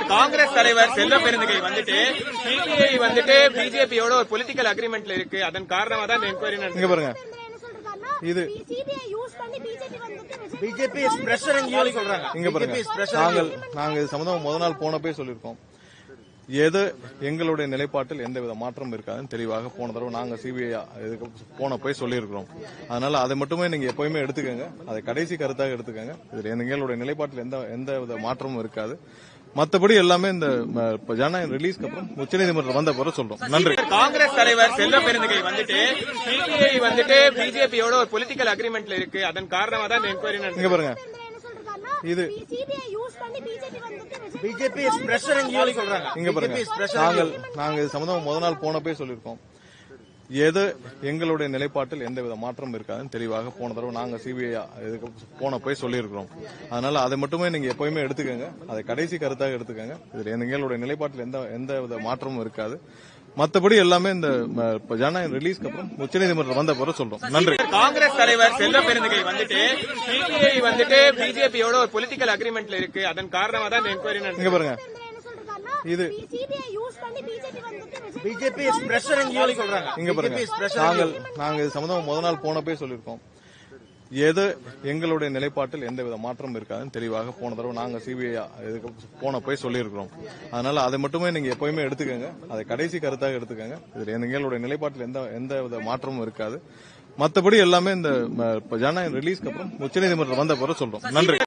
காங்கிரஸ் தலைவர் செல்வ பெருந்தகை வந்துட்டு சிபிஐ வந்துட்டு பிஜேபியோட ஒரு பொலிட்டிக்கல் அக்ரிமெண்ட்ல இருக்கு. அதன் காரணமா தான் இந்த என்கொயரி இங்க பாருங்க. இது பிஜேபி இஸ் பிரஷரிங் யூ சொல்றாங்க. இங்க பாருங்க. நாங்க இது சம்பந்தமா முதல் நாள் போனப்பே சொல்லியிருக்கோம். எது எங்களுடைய நிலைப்பாட்டில் எந்தவித மாற்றம் இருக்காதுன்னு தெளிவாக போன தடவை நாங்க சிபிஐ போனப்போ சொல்லியிருக்கிறோம். அதனால அதை மட்டுமே நீங்க எப்பயுமே எடுத்துக்கோங்க. அதை கடைசி கருத்தாக எடுத்துக்கோங்க. இதுல எங்களுடைய நிலைப்பாட்டில் எந்த மாற்றமும் இருக்காது. மத்தபடி எல்லாமே இந்த ஜனநாயகம் ரிலீஸ்க்கு அப்புறம் உச்சநீதிமன்றம் வந்த பிறகு சொல்றோம். நன்றி. காங்கிரஸ் தலைவர் செல்வ பெருந்தகை வந்துட்டு சிபிஐ வந்துட்டு பிஜேபியோட ஒரு பொலிட்டிக்கல் அக்ரிமெண்ட்ல இருக்கு. அதன் காரணமா தான் இந்த என்கொயரி. இங்க பாருங்க. இது பிஜேபி இஸ் பிரஷரிங் யூ சொல்றாங்க. இங்க பாருங்க. நாங்க இது சம்பந்தமா முதல் நாள் போனப்பே சொல்லியிருக்கோம். எது எங்களுடைய நிலைப்பாட்டில் எந்தவித மாற்றம் இருக்காதுன்னு தெளிவாக போன தடவை நாங்க சிபிஐ போனப்போ சொல்லியிருக்கிறோம். அதனால அதை மட்டுமே நீங்க எப்பயுமே எடுத்துக்கோங்க. அதை கடைசி கருத்தாக எடுத்துக்கோங்க. இதுல எங்களுடைய நிலைப்பாட்டில் எந்தவித மாற்றமும் இருக்காது. மத்தபடி எல்லாமே இந்த ஜனநாயகம் ரிலீஸ்க்கு அப்புறம் உச்சநீதிமன்றம் வந்த பிறகு சொல்றோம். நன்றி. காங்கிரஸ் தலைவர் செல்வ பெருந்தகை வந்துட்டு சிபிஐ வந்துட்டு பிஜேபியோட ஒரு பொலிட்டிக்கல் அக்ரிமெண்ட்ல இருக்கு. அதன் காரணமா தான் இந்த என்கொயரி. இங்க பாருங்க. இது பிஜேபி இஸ் பிரஷரிங் யூ சொல்றாங்க. இங்க பாருங்க. நாங்க இது சம்பந்தமா முதல் நாள் போனப்பே சொல்லியிருக்கோம். எது எங்களுடைய நிலைப்பாட்டில் எந்தவித மாற்றம் இருக்காதுன்னு தெளிவாக போன தடவை நாங்க சிபிஐ போனப்போ சொல்லியிருக்கிறோம். அதனால அதை மட்டுமே நீங்க எப்பயுமே எடுத்துக்கோங்க. அதை கடைசி கருத்தாக எடுத்துக்கோங்க. இதுல எங்களுடைய நிலைப்பாட்டில் எந்தவித மாற்றமும் இருக்காது. மத்தபடி எல்லாமே இந்த ஜனநாயகம் ரிலீஸ்க்கு அப்புறம் உச்சநீதிமன்றம் வந்த பிறகு சொல்றோம். நன்றி.